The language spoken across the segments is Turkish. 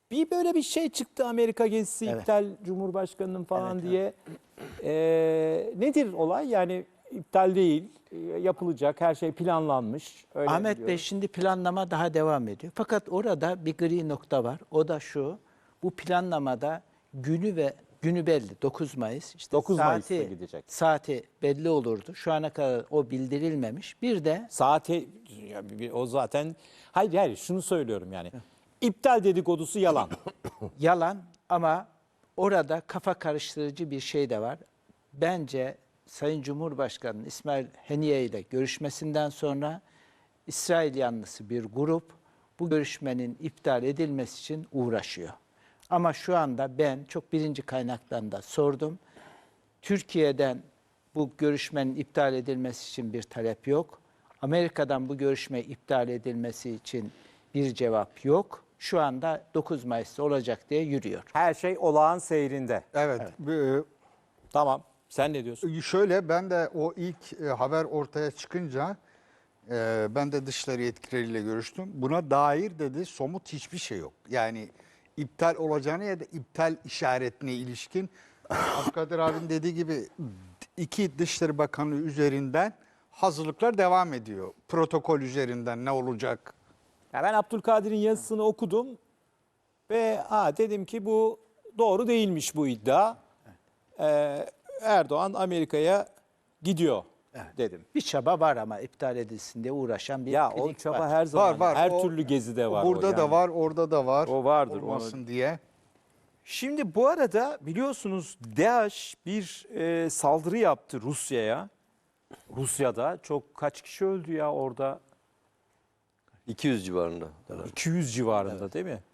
Bir böyle bir şey çıktı, Amerika gezisi Evet. iptal, Cumhurbaşkanı'nın falan Evet, diye. Nedir olay? Yani iptal değil, yapılacak, her şey planlanmış. Öyle Ahmet Bey, biliyoruz. şimdi planlama daha devam ediyor. Fakat orada bir gri nokta var. O da şu. Bu planlamada günü belli. 9 Mayıs. İşte 9 Mayıs'ta gidecek. Saati belli olurdu. Şu ana kadar o bildirilmemiş. Bir de Saati, o zaten, hayır şunu söylüyorum yani. İptal dedikodusu yalan. yalan, ama orada kafa karıştırıcı bir şey de var. Bence Sayın Cumhurbaşkanı İsmail Haniye ile görüşmesinden sonra İsrail yanlısı bir grup bu görüşmenin iptal edilmesi için uğraşıyor. Ama şu anda ben çok birinci kaynaktan da sordum. Türkiye'den bu görüşmenin iptal edilmesi için bir talep yok. Amerika'dan bu görüşme iptal edilmesi için bir cevap yok. Şu anda 9 Mayıs'ta olacak diye yürüyor. Her şey olağan seyrinde. Evet. Tamam. Sen ne diyorsun? Şöyle, ben de o ilk haber ortaya çıkınca ben de dışişleri yetkilileriyle görüştüm. Buna dair dedi somut hiçbir şey yok. Yani iptal olacağını ya da iptal işaretine ilişkin Abdülkadir abinin dediği gibi iki Dışişleri Bakanlığı üzerinden hazırlıklar devam ediyor. Protokol üzerinden ne olacak? Ya ben Abdülkadir'in yazısını okudum ve dedim ki bu doğru değilmiş bu iddia. Erdoğan Amerika'ya gidiyor dedim. Bir çaba var ama iptal edilsin diye uğraşan bir Ya o klinik çaba var. her zaman, Var. her O- türlü gezide var. Burada o da yani. var, orada da var. O vardır, Olmasın diye. Şimdi bu arada biliyorsunuz DAEŞ bir saldırı yaptı Rusya'ya. Rusya'da kaç kişi öldü ya orada? 200 civarında. 200 civarında değil mi?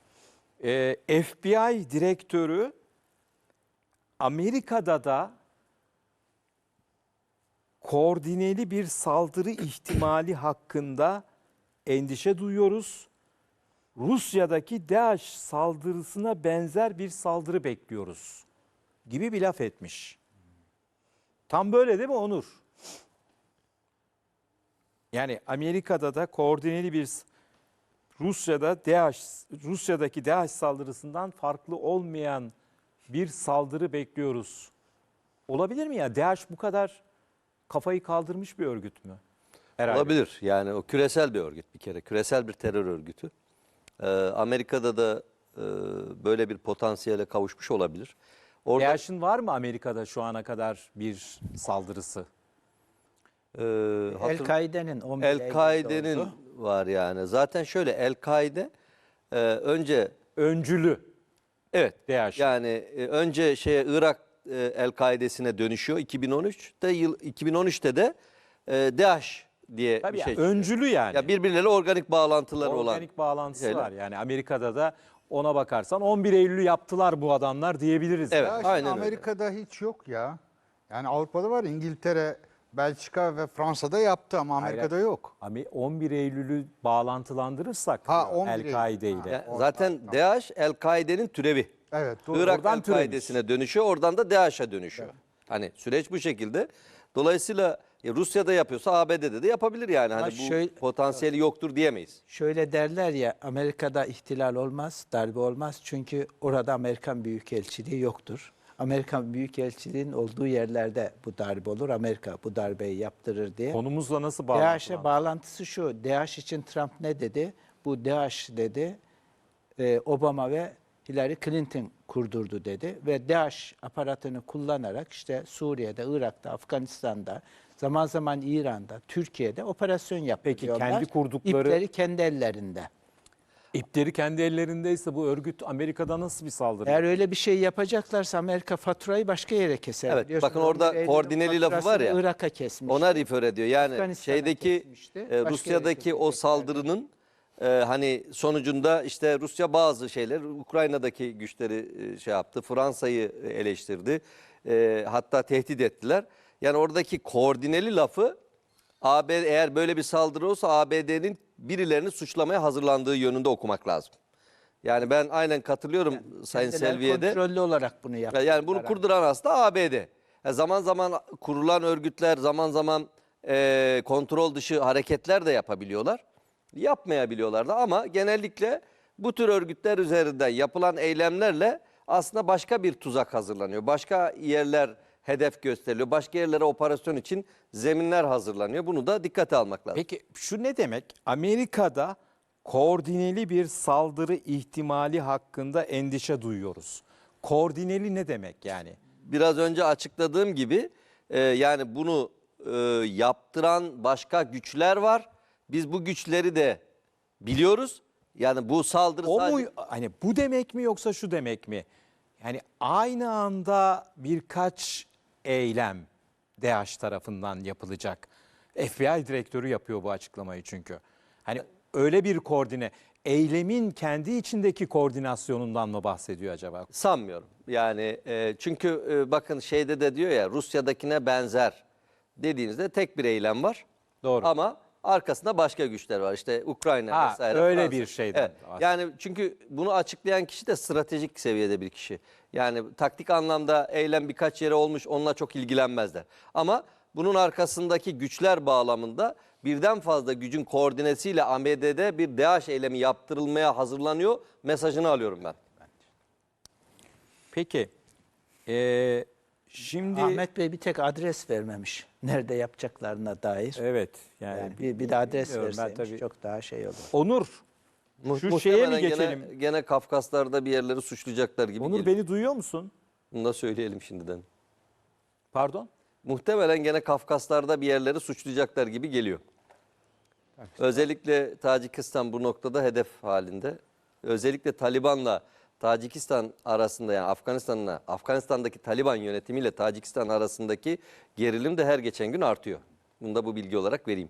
FBI direktörü Amerika'da da koordineli bir saldırı ihtimali hakkında endişe duyuyoruz. Rusya'daki DAEŞ saldırısına benzer bir saldırı bekliyoruz gibi bir laf etmiş. Tam böyle değil mi Onur? Yani Amerika'da da koordineli bir Rusya'daki DAEŞ saldırısından farklı olmayan bir saldırı bekliyoruz. Olabilir mi ya? DAEŞ bu kadar kafayı kaldırmış bir örgüt mü? Herhalde. Olabilir. Yani o küresel bir örgüt bir kere. Küresel bir terör örgütü. Amerika'da da böyle bir potansiyele kavuşmuş olabilir. Orada DAEŞ'in var mı Amerika'da şu ana kadar bir saldırısı? El-Kaide'nin 11 Eylül'de El-Kaide'nin oldu. var yani. Zaten şöyle, El-Kaide önce Öncülü. evet DAEŞ. yani önce Irak El-Kaide'sine dönüşüyor 2013'te de DAEŞ diye Tabii bir ya, şey. öncülü yani. Ya birbirleriyle organik bağlantıları olan. Organik bağlantısı şeyler. var. Yani Amerika'da da ona bakarsan 11 Eylül'ü yaptılar bu adamlar diyebiliriz. Evet. Ya şimdi aynen öyle. Amerika'da hiç yok ya. Yani Avrupa'da var, İngiltere, Belçika ve Fransa'da yaptı ama Amerika'da yok. 11 Eylül'ü bağlantılandırırsak Ha, 11 Eylül. El-Kaide ile. Ya zaten DAEŞ El-Kaide'nin türevi. Evet, doğru. Irak Oradan El-Kaide'sine dönüşüyor, oradan da DAEŞ'e dönüşüyor. Hani süreç bu şekilde. Dolayısıyla Rusya'da yapıyorsa ABD'de de yapabilir yani. Hani bu şöyle- potansiyeli yoktur diyemeyiz. Şöyle derler ya, Amerika'da ihtilal olmaz, darbe olmaz. Çünkü orada Amerikan Büyükelçiliği yoktur. Amerikan Büyükelçiliğinin olduğu yerlerde bu darbe olur. Amerika bu darbeyi yaptırır diye. Konumuzla nasıl DAEŞ'e bağlantılı? bağlantısı şu. DAEŞ için Trump ne dedi? Bu DAEŞ dedi, Obama ve Hillary Clinton kurdurdu dedi. Ve DAEŞ aparatını kullanarak işte Suriye'de, Irak'ta, Afganistan'da, zaman zaman İran'da, Türkiye'de operasyon yapıyorlar. kendi kurdukları- İpleri kendi ellerinde. İpleri kendi ellerindeyse bu örgüt Amerika'da nasıl bir saldırı? Eğer öyle bir şey yapacaklarsa Amerika faturayı başka yere keser. Evet, Biliyorsunuz, bakın orada 11 Eylül'ün koordineli lafı var faturasını ya, Irak'a kesmiş. Ona refer ediyor. Yani Afganistan'a şeydeki kesmişti, başka yere Rusya'daki o keseceklerdi. saldırının hani sonucunda işte Rusya bazı şeyler, Ukrayna'daki güçleri şey yaptı, Fransa'yı eleştirdi, hatta tehdit ettiler. Yani oradaki koordineli lafı AB, eğer böyle bir saldırı olsa ABD'nin birilerini suçlamaya hazırlandığı yönünde okumak lazım. Yani ben aynen katılıyorum Sayın Kendileri Selvi'ye de. kontrollü olarak bunu yaptılar. Yani bunu kurduran aslında ABD. Zaman zaman kurulan örgütler zaman zaman kontrol dışı hareketler de yapabiliyorlar. Yapmayabiliyorlar da, ama genellikle Bu tür örgütler üzerinden yapılan eylemlerle aslında başka bir tuzak hazırlanıyor. Başka yerler hedef gösteriliyor. Başka yerlere operasyon için zeminler hazırlanıyor. Bunu da dikkate almak lazım. Peki şu ne demek? Amerika'da koordineli bir saldırı ihtimali hakkında endişe duyuyoruz. Koordineli ne demek yani? Biraz önce açıkladığım gibi yani bunu yaptıran başka güçler var. Biz bu güçleri de biliyoruz. Yani bu saldırı O mu sadece... hani bu demek mi yoksa şu demek mi? Yani aynı anda birkaç eylem DAEŞ tarafından yapılacak. FBI direktörü yapıyor bu açıklamayı çünkü. Hani öyle bir koordine, eylemin kendi içindeki koordinasyonundan mı bahsediyor acaba? Sanmıyorum. Yani çünkü bakın şeyde de diyor ya Rusya'dakine benzer dediğinizde tek bir eylem var. Doğru. Ama arkasında başka güçler var. İşte Ukrayna Ha, vesaire. öyle Fransa. bir şeyden Evet. Yani çünkü bunu açıklayan kişi de stratejik seviyede bir kişi. Yani taktik anlamda eylem birkaç yere olmuş onunla çok ilgilenmezler. Ama bunun arkasındaki güçler bağlamında birden fazla gücün koordinesiyle ABD'de bir DAEŞ eylemi yaptırılmaya hazırlanıyor mesajını alıyorum ben. Peki, şimdi Ahmet Bey bir tek adres vermemiş. Nerede yapacaklarına dair. evet yani, Yani bir de adres bilmiyorum ben verseymiş tabii. çok daha şey olur. Onur, şu şeye mi geçelim? Gene Kafkaslar'da bir yerleri suçlayacaklar gibi Onur geliyor. beni duyuyor musun? Bunu da söyleyelim şimdiden. Pardon? Muhtemelen gene Kafkaslar'da bir yerleri suçlayacaklar gibi geliyor. Özellikle Tacikistan bu noktada hedef halinde. Özellikle Taliban'la Tacikistan arasında yani Afganistan'daki Taliban yönetimiyle Tacikistan arasındaki gerilim de her geçen gün artıyor. Bunu da bu bilgi olarak vereyim.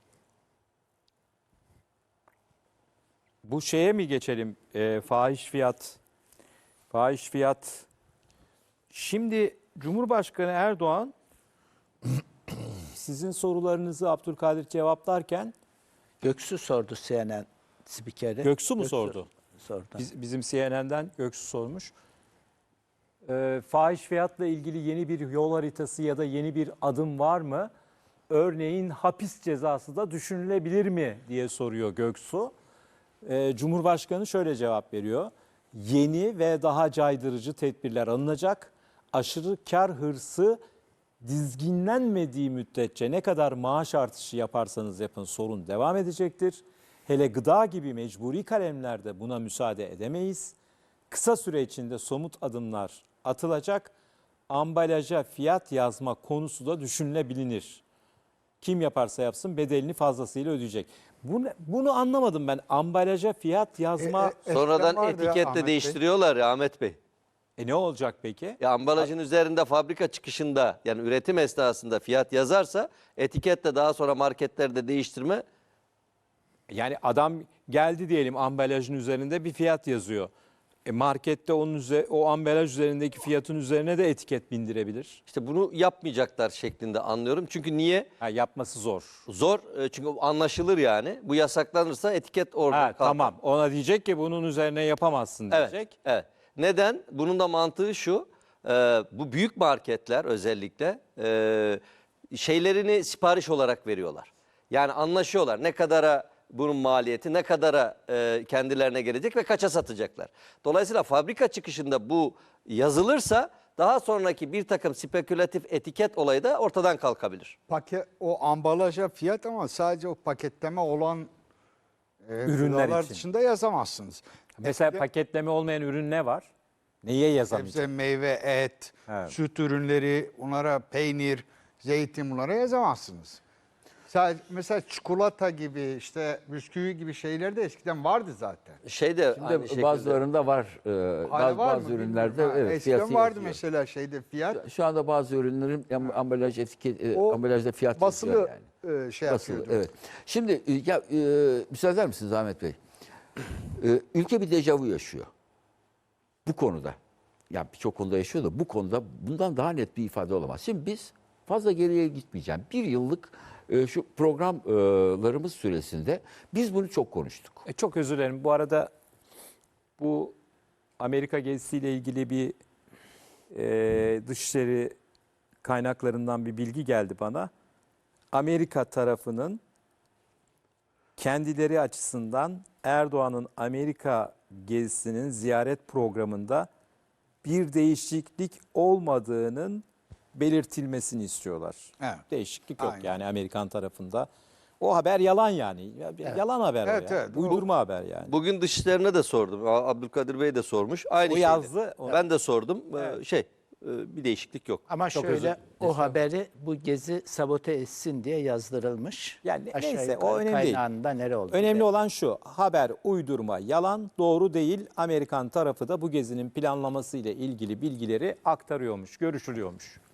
Bu şeye mi geçelim? Fahiş fiyat. Fahiş fiyat. Şimdi Cumhurbaşkanı Erdoğan sizin sorularınızı Abdülkadir cevaplarken Göksu sordu CNN spikeri. Göksu mu sordu? Sordu. Bizim CNN'den Göksu sormuş. Fahiş fiyatla ilgili yeni bir yol haritası ya da yeni bir adım var mı? Örneğin hapis cezası da düşünülebilir mi diye soruyor Göksu. Cumhurbaşkanı şöyle cevap veriyor. Yeni ve daha caydırıcı tedbirler alınacak. Aşırı kar hırsı dizginlenmediği müddetçe ne kadar maaş artışı yaparsanız yapın sorun devam edecektir. Hele gıda gibi mecburi kalemlerde buna müsaade edemeyiz. Kısa süre içinde somut adımlar atılacak. Ambalaja fiyat yazma konusu da düşünülebilir. Kim yaparsa yapsın bedelini fazlasıyla ödeyecek. Bunu anlamadım ben. Ambalaja fiyat yazma Sonradan vardı ya etiketle Ahmet Bey. değiştiriyorlar ya Ahmet Bey. ne olacak peki? Ya ambalajın üzerinde fabrika çıkışında yani üretim esnasında fiyat yazarsa etiketle daha sonra marketlerde değiştirme Yani adam geldi diyelim ambalajın üzerinde bir fiyat yazıyor. Markette o ambalaj üzerindeki fiyatın üzerine de etiket bindirebilir. işte bunu yapmayacaklar şeklinde anlıyorum. Çünkü niye? Yapması zor. Zor çünkü anlaşılır yani. Bu yasaklanırsa etiket orada kalkar. Tamam. Ona diyecek ki bunun üzerine yapamazsın Evet, diyecek. evet. Neden? Bunun da mantığı şu. Bu büyük marketler özellikle şeylerini sipariş olarak veriyorlar. Yani anlaşıyorlar ne kadara bunun maliyeti, ne kadara kendilerine gelecek ve kaça satacaklar. Dolayısıyla fabrika çıkışında bu yazılırsa daha sonraki bir takım spekülatif etiket olayı da ortadan kalkabilir. O ambalaja fiyat ama sadece o paketleme olan Ürünler gıdalar için. dışında yazamazsınız. Mesela paketleme olmayan ürün ne var? Neye yazamayacak? Sebze, meyve, et, Evet. süt ürünleri, onlara peynir, zeytin bunlara yazamazsınız. Sadece, mesela çikolata gibi işte bisküvi gibi şeyler de eskiden vardı zaten. Şey de aynı Şimdi şekilde. bazılarında var. Hala var Bazı mı ürünlerde bilmiyorum. evet Eskiden fiyatı vardı yazıyor. mesela şeyde fiyat. Şu anda bazı ürünlerin ambalaj etiket O ambalajda fiyat basılı yazıyor yani. şey Basılı, yapıyordu. evet. Şimdi müsaade eder misiniz Ahmet Bey? Ülke bir dejavu yaşıyor. Bu konuda. Yani birçok konuda yaşıyor da bu konuda bundan daha net bir ifade olamaz. Şimdi biz fazla geriye gitmeyeceğim. Bir yıllık şu programlarımız süresinde biz bunu çok konuştuk. Çok özür dilerim. Bu arada bu Amerika gezisiyle ilgili bir dışişleri kaynaklarından bir bilgi geldi bana. Amerika tarafının kendileri açısından Erdoğan'ın Amerika gezisinin ziyaret programında bir değişiklik olmadığının belirtilmesini istiyorlar. Evet. Değişiklik yok Aynen. yani Amerikan tarafında. O haber yalan yani. Yalan haber Evet, o ya. evet. Uydurma haber yani. Bugün Dışişleri'ne de sordum. Abdülkadir Bey de sormuş. Aynı O şeydi. yazdı. Ben de sordum. Bir değişiklik yok. Ama Çok şöyle özür o haberi bu gezi sabote etsin diye yazdırılmış. Yani Aşağı neyse, yukarı o önemli değil. kaynağında nere oldu? Önemli belli. olan şu, haber uydurma, yalan, doğru değil. Amerikan tarafı da bu gezinin planlaması ile ilgili bilgileri aktarıyormuş, görüşülüyormuş.